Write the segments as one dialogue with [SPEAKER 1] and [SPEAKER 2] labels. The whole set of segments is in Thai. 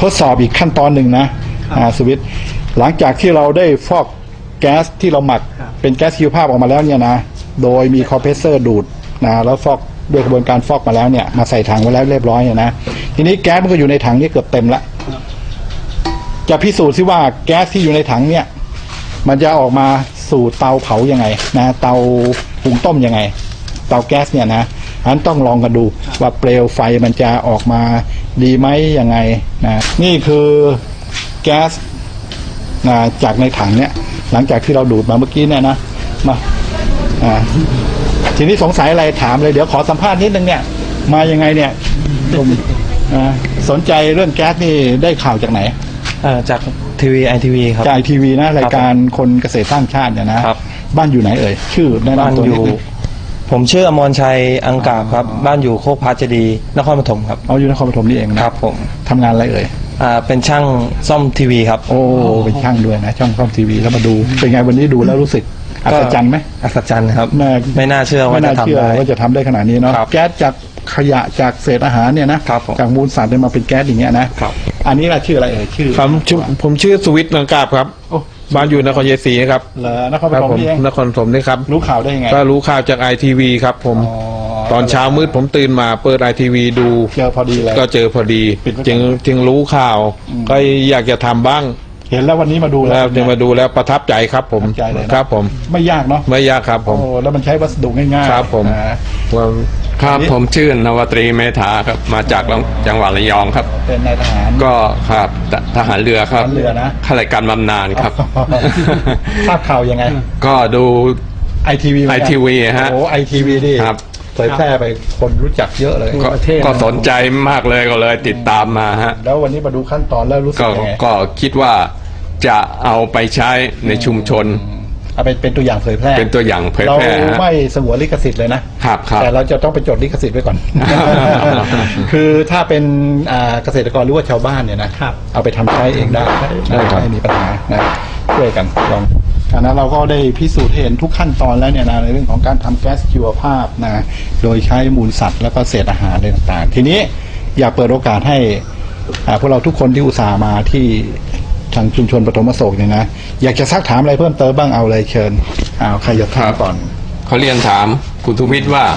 [SPEAKER 1] ทดสอบอีกขั้นตอนหนึ่งนะสวิตหลังจากที่เราได้ฟอกแก๊สที่เราหมักเป็นแก๊สชีวภาพออกมาแล้วเนี่ยนะโดยมีคอมเพรสเซอร์ดูดนะแล้วฟอกด้วยกระบวนการฟอกมาแล้วเนี่ยมาใส่ถังไว้แล้วเรียบร้อยเนี่ยนะทีนี้แก๊สมันก็อยู่ในถังนี้เกือบเต็มละจะพิสูจน์ซิว่าแก๊สที่อยู่ในถังเนี่ยมันจะออกมาสู่เตาเผายังไงนะเตาหุงต้มยังไงเตาแก๊สเนี่ยนะอันต้องลองกันดูว่าเปลวไฟมันจะออกมาดีไหมยังไงนะนี่คือแก๊สนะจากในถังเนี่ยหลังจากที่เราดูดมาเมื่อกี้เนี่ยนะมาทีนี้สงสัยอะไรถามเลยเดี๋ยวขอสัมภาษณ์นิดนึงเนี่ยมายังไงเนี่ยผมสนใจเรื่องแก๊สนี่ได้ข่าวจากไหน
[SPEAKER 2] จากทีวีITV ครับ
[SPEAKER 1] จากทีวีนะรายการคนเกษตรสร้างชาติเนี่ยนะครับบ้านอยู่ไหนเอ่ยชื่อบ้านอยู่
[SPEAKER 2] ผมชื่ออมรชัยอังกาบครับบ้านอยู่โคกพระเจดีย์นครปฐมครับ
[SPEAKER 1] อยู่นครปฐมนี่เอง
[SPEAKER 2] นะครับผม
[SPEAKER 1] ทำงานอะไรเอ่ย
[SPEAKER 2] เป็นช่างซ่อมทีวีครับ
[SPEAKER 1] โอ้เป็นช่างด้วยนะช่างซ่อมทีวีแล้วมาดูเป็นไงวันนี้ดูแล้วรู้สึกอัศจรรย์ไหม
[SPEAKER 2] อัศจรรย์ครับไม่น่าเชื่อว่าจะทำได้
[SPEAKER 1] ว่าจะทำได้ขนาดนี้เนาะแก๊สจากขยะจากเศษอาหารเนี่ยนะจากมูลสัตว์มาเป็นแก๊สอย่างเงี้ยนะอันนี้ล่ะชื่ออะไรเอ่ยชื่อ
[SPEAKER 3] ผมชื่อสุวิทย์ลังกาบครับบ้านอยู่นครเยศรีครับ
[SPEAKER 1] นครปฐมนี่เอง
[SPEAKER 3] นครปฐมนี่ครับ
[SPEAKER 1] รู้ข่าวได้ยังไง
[SPEAKER 3] ก็รู้ข่าวจากITVครับผมตอนเช้ามืดผมตื่นมาเปิดITVดู
[SPEAKER 1] เจอพอดีเลย
[SPEAKER 3] ก็เจอพอดีจึงรู้ข่าวก็อยากจะทำบ้าง
[SPEAKER 1] เห็นแล้ววันนี้มาดู
[SPEAKER 3] แล้วจะมาดูแล้วประทับใจครับผมครับผม
[SPEAKER 1] ไม่ยากเนาะ
[SPEAKER 3] ไม่ยากครับผม
[SPEAKER 1] แล้วมันใช้วัสดุง่าย
[SPEAKER 3] ๆครับผม
[SPEAKER 4] ครับผมชื่อนวตรีเมธาครับมาจากจังหวัดระยองครับ
[SPEAKER 1] เป็นนายทหาร
[SPEAKER 4] ก็ครับทหารเรือครับ
[SPEAKER 1] เรือนะ
[SPEAKER 4] ข้าราชการบำนาญครับ
[SPEAKER 1] ทราบข่าวยังไง
[SPEAKER 4] ก็ดู
[SPEAKER 1] ITV
[SPEAKER 4] ฮะ
[SPEAKER 1] ITV ดิครับเผยแพร่ไปคนรู้จักเยอะเลย
[SPEAKER 4] ก็สนใจมากเลยก็เลยติดตามมาฮะ
[SPEAKER 1] แล้ววันนี้มาดูขั้นตอนแล้วรู้สึกยังไง
[SPEAKER 4] ก็คิดว่าจะเอาไปใช้ในชุมชน
[SPEAKER 1] เอาเป็นตัวอย่างเผยแพร่
[SPEAKER 4] เป็นตัวอย่างเผยแพร่
[SPEAKER 1] เราไม่สงวนลิขสิทธิ์เลยนะครับแต่เราจะต้องไปจดลิขสิทธิ์ไว้ก่อน คือถ้าเป็นเกษตรกรหรือว่าชาวบ้านเนี่ยนะเอาไปทำใช้เองได้ไม่มีปัญหานะช่วยกันลองฉะนั้นเราก็ได้พิสูจน์เห็นทุกขั้นตอนแล้วเนี่ยนะในเรื่องของการทำแก๊สชีวภาพนะโดยใช้มูลสัตว์แล้วก็เศษอาหารอะไรต่างๆทีนี้อยากเปิดโอกาสให้พวกเราทุกคนที่อุตส่าห์มาที่ทางชุมชนปฐมอโศกเนี่ยนะอยากจะซักถามอะไรเพิ่มเติมบ้างเอาเลยเชิญใครจะถามก่อน
[SPEAKER 4] เขาเรียนถามคุณทุวิทย์ว่า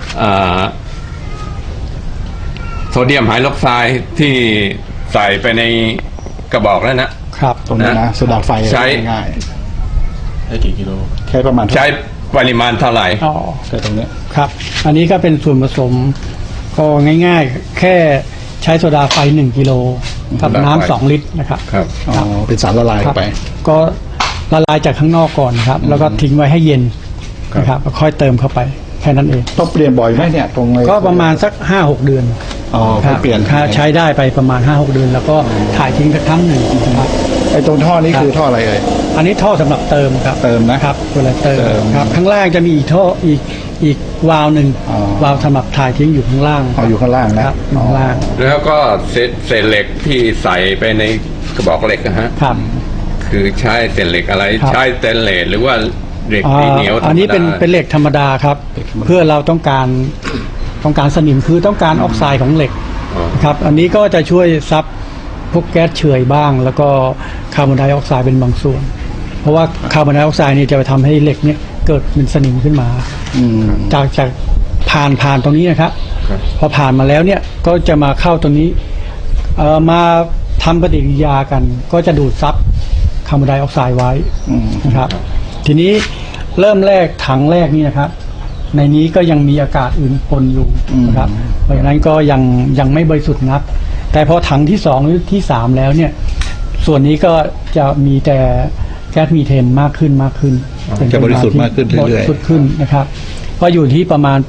[SPEAKER 4] โซเดียมไฮดรอกไซด์ที่ใส่ไปในกระบอกแล้ว
[SPEAKER 1] นะครับตรงนี้นะโซดาไฟ
[SPEAKER 4] ใช้
[SPEAKER 1] ง่าย
[SPEAKER 3] ได้กี่กิโล
[SPEAKER 1] ใช้ประมาณ
[SPEAKER 4] ใช้ปริมาณเท่าไหร่
[SPEAKER 1] ใช้ตรงนี้
[SPEAKER 5] ครับอันนี้ก็เป็นส่วนผสมก็ง่ายๆแค่ใช้โซดาไฟ1 กิโลกับน้ำ2 ลิตรนะครับ
[SPEAKER 1] เป็นสารละลายไป
[SPEAKER 5] ก็ละลายจากข้างนอกก่อนครับแล้วก็ทิ้งไว้ให้เย็นนะครับค่อยเติมเข้าไปแค่นั้นเอง
[SPEAKER 1] ต้องเปลี่ยนบ่อยไหมเนี่ยตรง
[SPEAKER 5] ก็ประมาณสัก 5-6 เดือน
[SPEAKER 1] เปลี่ยน
[SPEAKER 5] ใช้ได้ไปประมาณ 5-6 เดือนแล้วก็ถ่ายทิ้งสักครั้งหนึ่งนะครับ
[SPEAKER 1] ไอ้ตรงท่อนี้คือท่ออะไรเอ่ย
[SPEAKER 5] อันนี้ท่อสำหรับเติมครับ
[SPEAKER 1] เติมนะครับ
[SPEAKER 5] เวลาเติมครับข้างล่างจะมีอีกท่ออีกวาล์วหนึ่งวาล์วสำหรับถ่ายทิ้งอยู่ข้างล่าง
[SPEAKER 1] อยู่ข้างล่างนะครับ
[SPEAKER 5] ข้างล่าง
[SPEAKER 4] แล้วก็เศษเหล็กที่ใส่ไปในกระบอกเหล็กนะฮะ
[SPEAKER 5] ครับ
[SPEAKER 4] คือใช้เศษเหล็กอะไรใช้สเตนเลสหรือว่าเหล็กที่เหนียว
[SPEAKER 5] อันนี้เป็นเหล็กธรรมดาครับเพื่อเราต้องการสนิมคือต้องการออกไซด์ของเหล็กครับอันนี้ก็จะช่วยซับพวกแก๊สเฉื่อยบ้างแล้วก็คาร์บอนไดออกไซด์เป็นบางส่วนเพราะว่าคาร์บอนไดออกไซด์นี่จะไปทำให้เหล็กเนี่ยเกิดเป็นสนิมขึ้นมาจากผ่านตรงนี้นะครับพอผ่านมาแล้วเนี่ยก็จะมาเข้าตรงนี้มาทำปฏิกิริยากันก็จะดูดซับคาร์บอนไดออกไซด์ไว้นะครับทีนี้เริ่มแรกถังแรกนี่นะครับในนี้ก็ยังมีอากาศอื่นปนอยู่นะครับเพราะฉะนั้นก็ยังไม่บริสุทธิ์นักแต่พอถังที่2หรือที่3แล้วเนี่ยส่วนนี้ก็จะมีแต่แก๊สมีเทนมากขึ้น
[SPEAKER 1] จะบริสุทธิ์มากขึ้นเรื่อยๆ
[SPEAKER 5] บริสุทธิ์ขึ้นนะครับก็อยู่ที่ประมาณ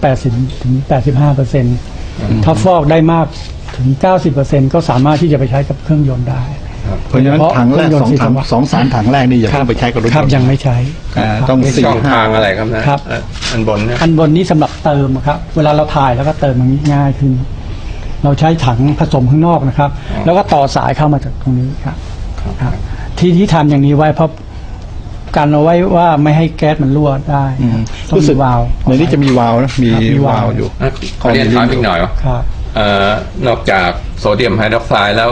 [SPEAKER 5] 80-85%ถ้าฟอกได้มากถึง 90% ก็สามารถที่จะไปใช้กับเครื่องยนต์ได้
[SPEAKER 1] เพราะฉะนั้นถังแรก2-3 ถังแรกนี่อย่าเพิ่งไปใช้กับรถยนต์
[SPEAKER 5] ครับยังไม่ใช้
[SPEAKER 4] ต้องช่องทางอะไรครับนะครับอันบน
[SPEAKER 5] นี้สำหรับเติมครับเวลาเราถ่ายแล้วก็เติมมันง่ายขึ้นเราใช้ถังผสมข้างนอกนะครับแล้วก็ต่อสายเข้ามาจากตรงนี้ครับที่ทำอย่างนี้ไว้เพราะการเอาไว้ว่าไม่ให้แก๊สมันรั่วได้
[SPEAKER 1] รู้สึกวาล์วในนี้จะมีวาล์วนะมีวาล์วอยู่
[SPEAKER 4] ขอเรียนถามอีกหน่อยว่านอกจากโซเดียมไฮดรอกไซด์แล้ว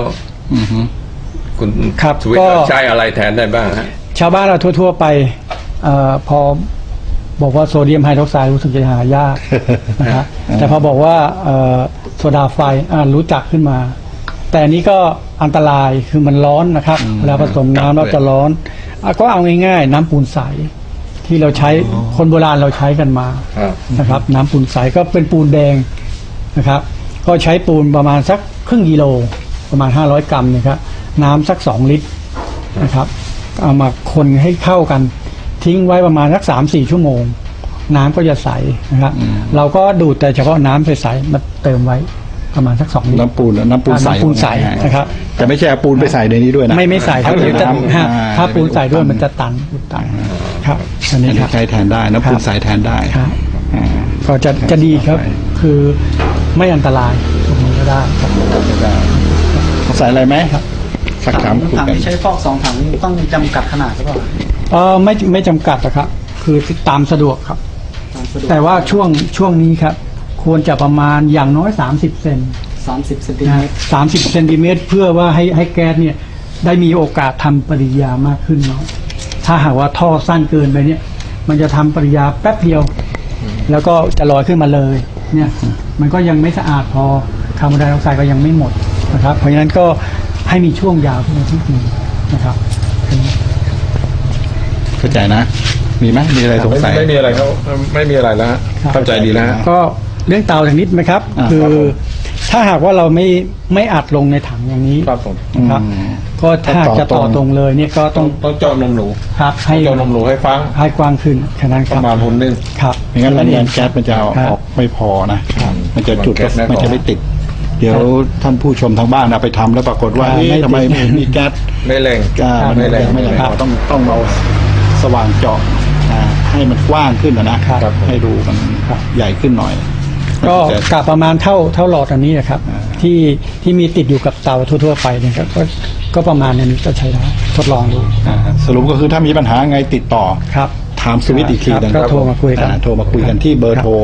[SPEAKER 1] อือฮึ
[SPEAKER 4] คุณ
[SPEAKER 5] ครับ
[SPEAKER 4] สวิต
[SPEAKER 5] ก็
[SPEAKER 4] ใช้อะไรแทนได้บ้างฮะ
[SPEAKER 5] ชาวบ้านเราทั่ว ๆ ไปพอบอกว่าโซเดียมไฮดรอกไซด์รู้สึกจะหายากนะครับแต่พอบอกว่าโซดาไฟรู้จักขึ้นมา แต่อันนี้ก็อันตรายคือมันร้อนนะครับเวลาผสมน้ำแล้วจะร้อนก็เอาง่ายๆ น้ำปูนใสที่เราใช้คนโบราณเราใช้กันมา
[SPEAKER 4] ครับ
[SPEAKER 5] นะครับ น้ำปูนใสก็เป็นปูนแดงนะครับ ก็ใช้ปูนประมาณสักครึ่งกิโลประมาณ500 กรัมนะครับน้ำสัก2 ลิตรนะครับเอามาคนให้เข้ากันทิ้งไว้ประมาณสัก3-4 ชั่วโมง น้ำก็จะใสนะครับ เราก็ดูดแต่เฉพาะน้ำใสๆมาเติมไว้ประมาณสัก2 ลิตร
[SPEAKER 1] น้ำปูนใส
[SPEAKER 5] น้ำปูนใสนะครับ
[SPEAKER 1] แต่ไม่ใช่เอาปูนไปใส่ในนี้ด้วยนะ
[SPEAKER 5] ไม่ใส่ครับเดี๋ยวจะ
[SPEAKER 1] น้ำ
[SPEAKER 5] ถ้าปูนใส่ด้วยมันจะตันครับอัน
[SPEAKER 1] อั
[SPEAKER 5] นี้
[SPEAKER 1] น
[SPEAKER 5] ค
[SPEAKER 1] นี้
[SPEAKER 5] รับ
[SPEAKER 1] ใช้แทนได้น้ำปูนใสแทนได้
[SPEAKER 5] ครับ
[SPEAKER 1] อ่า
[SPEAKER 5] ก็จะดีครับ คือไม่อันตรายตรงนี้ก็ได้ครับ
[SPEAKER 1] ได้ใส่อะไรไหมครับสักถามคุย
[SPEAKER 6] ถัง
[SPEAKER 1] กัน
[SPEAKER 6] ที่ใช้ฟอก2 ถังนี่ต้องจำกัดขนาดหรือเปล่า
[SPEAKER 5] ไม่จำกัดนะครับ คือตามสะดวกครับ
[SPEAKER 6] ตามสะดวก
[SPEAKER 5] แต่ว่าช่วงนี้ครับ ควรจะประมาณอย่างน้อย30 เซน
[SPEAKER 6] 30 เซนติเม
[SPEAKER 5] นะ
[SPEAKER 6] ตร
[SPEAKER 5] 30 เซนติเมตรเพื่อว่าให้แก๊สเนี่ยได้มีโอกาสทำปฏิกิริยามากขึ้นเนาะถ้าหากว่าท่อสั้นเกินไปเนี่ย มันจะทำปฏิกิริยาแป๊บเดียว แล้วก็จะลอยขึ้นมาเลย เนี่ยมันก็ยังไม่สะอาดพอคาร์บอนไดออกไซด์ก็ยังไม่หมดนะครับ เพราะฉะนั้นก็ให้มีช่วงยาวขึ้นมานิดนึงนะครับ
[SPEAKER 1] เข้าใจนะ มีไหมมีอะไรสงสัย
[SPEAKER 3] ไม่มีอะไรครับไม่มีอะไรแล้วฮะ
[SPEAKER 5] ครับ
[SPEAKER 3] เข้าใจดีแล้วฮะ
[SPEAKER 5] ก็เรื่องเตาทางนิดไหมครับ
[SPEAKER 1] อ่า
[SPEAKER 5] คือ
[SPEAKER 1] ครับผม
[SPEAKER 5] ถ้าหากว่าเราไม่อัดลงในถังอย่างนี้
[SPEAKER 3] ครับผม
[SPEAKER 5] นะครับ ก็ถ้าจะต่อตรงเลยเนี่ยก็ต้
[SPEAKER 3] ต้
[SPEAKER 5] อ
[SPEAKER 3] อง งเจาะนมหนู
[SPEAKER 5] ครับให้
[SPEAKER 3] เจาะนมหนูให้ฟัง
[SPEAKER 5] ให้กว้างขึ้นแค่นั้นค
[SPEAKER 3] ป
[SPEAKER 5] รับ
[SPEAKER 3] ระมาณหุ่นหนึง
[SPEAKER 5] ครับ
[SPEAKER 1] ไม่งั้นแรงดันแก๊สมันจะเอา
[SPEAKER 5] ครับ
[SPEAKER 1] ออกไม่พอนะ มันจะจุด
[SPEAKER 3] แก๊สไม่พอ
[SPEAKER 1] มันจะไม่ติด เดี๋ยวท่านผู้ชมทางบ้านเอาไปทำแล้วปรากฏว่า
[SPEAKER 5] ไม่
[SPEAKER 1] เอ๊ะทำไม
[SPEAKER 5] ติด
[SPEAKER 1] ไม่มีแก๊ส
[SPEAKER 3] ไม่แรง
[SPEAKER 1] มัน
[SPEAKER 3] ไม่แรง
[SPEAKER 1] ไม่แรง
[SPEAKER 5] ครับ
[SPEAKER 1] ต้องเอาสว่างเจาะให้มันกว้างขึ้นนะครับ ให้รูมันใหญ่ขึ้นหน่อย
[SPEAKER 5] ก็
[SPEAKER 1] มันจะ
[SPEAKER 5] กะประมาณเท่าหลอดอันนี้นะครับ ที่มีติดอยู่กับเตาทั่วๆไปเนี่ยครับก็ประมาณนี้ก็ใช้ได้ทดลองดู
[SPEAKER 1] สรุปก็คือถ้ามีปัญหาไงติดต่อ
[SPEAKER 5] ครับ
[SPEAKER 1] ถามสวิตช์อีกที
[SPEAKER 5] ครับ
[SPEAKER 1] นึง
[SPEAKER 5] ก็โทรมาคุยกัน
[SPEAKER 1] โทรมาคุยกันที่เบอร์โทร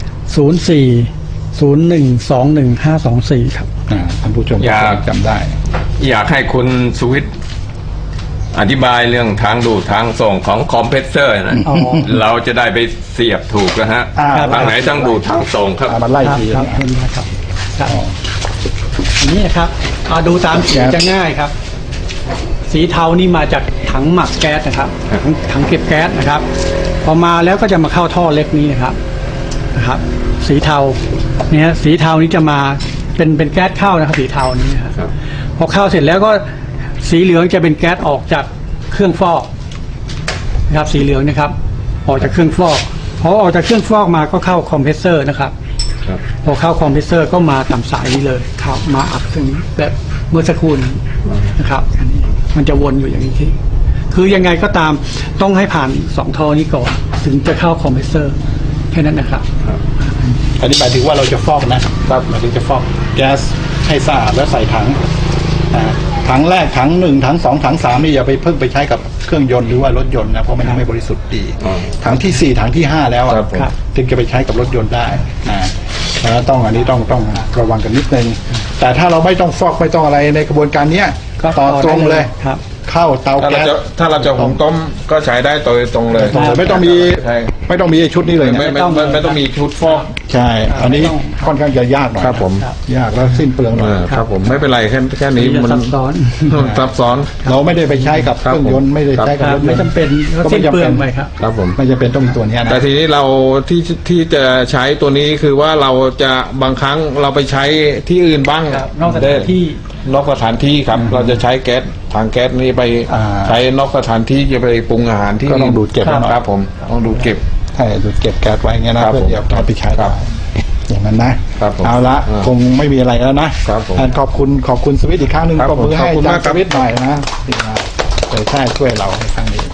[SPEAKER 5] 04-0121-524 ครับ
[SPEAKER 1] ท่านผู้ชม
[SPEAKER 4] อยาก
[SPEAKER 1] จำได้
[SPEAKER 4] อยากให้คุณสวิตอธิบายเรื่องทางดูดทางส่งของคอมเพรสเซอร์นะ
[SPEAKER 5] อ๋อ
[SPEAKER 4] เราจะได้ไปเสียบถูกนะฮะ
[SPEAKER 1] ครับ
[SPEAKER 4] ทางไหนทางดูดทางส่งครับ
[SPEAKER 1] เอามาไล่
[SPEAKER 5] ครับ
[SPEAKER 1] ที
[SPEAKER 5] ครับ
[SPEAKER 1] นะ
[SPEAKER 5] เห็นไหมครับครับอันนี้นะครับดูตามสี
[SPEAKER 1] ครับ
[SPEAKER 5] จะง่ายครับ สีเทานี่มาจากถังหมักแก๊สนะครับถังเก็บแก๊สนะครับ พอมาแล้วก็จะมาเข้าท่อเล็กนี้นะครับ สีเทาเนี่ยสีเทานี้จะมาเป็นแก๊สเข้านะครับ สีเทานี้นะครับพอเข้าเสร็จแล้วก็สีเหลืองจะเป็นแก๊สออกจากเครื่องฟอกนะครับ สีเหลืองนะครับ ออกจากเครื่องฟอกพอออกจากเครื่องฟอกมาก็เข้าคอมเพรสเซอร์นะครับ พอเข้าคอมเพรสเซอร์ก็มาตามสายนี้เลยเข้ามาอัดตรงนี้แบบเมื่อสักครู่นี้นะครับอันนี้มันจะวนอยู่อย่างนี้ที่คือยังไงก็ตามต้องให้ผ่าน2ท่อนี้ก่อนถึงจะเข้าคอมเพรสเซอร์แค่นั้นนะครับ
[SPEAKER 1] อันนี้หมายถึงว่าเราจะฟอกนะครับหมายถึงจะฟอกแก๊สให้สะอาดแล้วใส่ถังถังแรกถัง1ถัง2ถัง3นี่อย่าไปเพิ่งไปใช้กับเครื่องยนต์หรือว่ารถยนต์นะเพราะมันยังไม่บริสุทธิ์ดีถังที่4ถังที่5แล้วอะ
[SPEAKER 3] ครับผม
[SPEAKER 1] ถึงจะไปใช้กับรถยนต์ได้แล้วต้องอันนี้ต้องระวังกันนิดนึงแต่ถ้าเราไม่ต้องฟอกไม่ต้องอะไรในกระบวนการเนี้ย
[SPEAKER 5] ก็
[SPEAKER 1] ต่อตรงเลย
[SPEAKER 5] ครับ
[SPEAKER 1] เข้าเตา
[SPEAKER 3] ถ้าเรา
[SPEAKER 1] แก๊ส
[SPEAKER 3] จะหุงต้มก็ใช้ได้โดยตรงเลย
[SPEAKER 1] ไม่ต้องมี
[SPEAKER 3] ใช่
[SPEAKER 1] ไม่ต้องมีไอ้ชุดนี้เลยนะ
[SPEAKER 3] ไม่ต้องมีชุดฟอก
[SPEAKER 1] ใช่ อันนี้ค่อนข้างจะยากหน่อย
[SPEAKER 3] ครับผม
[SPEAKER 1] ยากแล้วสิ้นเปลืองหน่อย
[SPEAKER 3] ครับผมไม่เป็นไรแค่นี้
[SPEAKER 5] จะ
[SPEAKER 3] มัน
[SPEAKER 5] ซับซ้อน
[SPEAKER 3] ซับซ้อน
[SPEAKER 1] เราไม่ได้ไปใช้กับเครื่องยนต์ไม่ได้ใช้กับรถย
[SPEAKER 5] ไม่
[SPEAKER 1] นต์
[SPEAKER 5] จำเป็นก็สิ้นเปลืองไปครับ
[SPEAKER 3] ครับผม
[SPEAKER 1] ไม่จำเป็นต้องมีตัวเนี้ยนะ
[SPEAKER 3] แต่ทีนี้เราที่จะใช้ตัวนี้คือว่าเราจะบางครั้งเราไปใช้ที่อื่นบ้าง
[SPEAKER 5] ครับนอกสถานที่
[SPEAKER 3] นอกสถานที่ครับ เราจะใช้แก๊สถังแก๊สนี้ไปใช้นอกสถานที่จะไปปรุงอาหารที่
[SPEAKER 1] ก็ต้องดูดเก็บไว้หน่อย
[SPEAKER 3] ครับผมต้องดูดเก็บ
[SPEAKER 1] ใช่ดูดเก็บแก๊สไว้เงี้ยนะครับ เพื่อ
[SPEAKER 3] ผม
[SPEAKER 1] เดี๋ยวเอาไปใช้ได้อย่างนั้นนะครับ
[SPEAKER 3] ผม
[SPEAKER 1] เอาละ
[SPEAKER 3] อ่า
[SPEAKER 1] คงไม่มีอะไรแล้วนะครับ
[SPEAKER 3] ผม
[SPEAKER 1] ขอบคุณสวิตอีกครั้งหนึ่ง
[SPEAKER 3] ครับ
[SPEAKER 1] ปรบมือ
[SPEAKER 3] ผม
[SPEAKER 1] ให้
[SPEAKER 3] ขอบคุณาก
[SPEAKER 1] อามจารย์
[SPEAKER 3] ครับ
[SPEAKER 1] สวิตหน่อยนะที่มาเผยแพร่ช่วยเราในครั้งนี้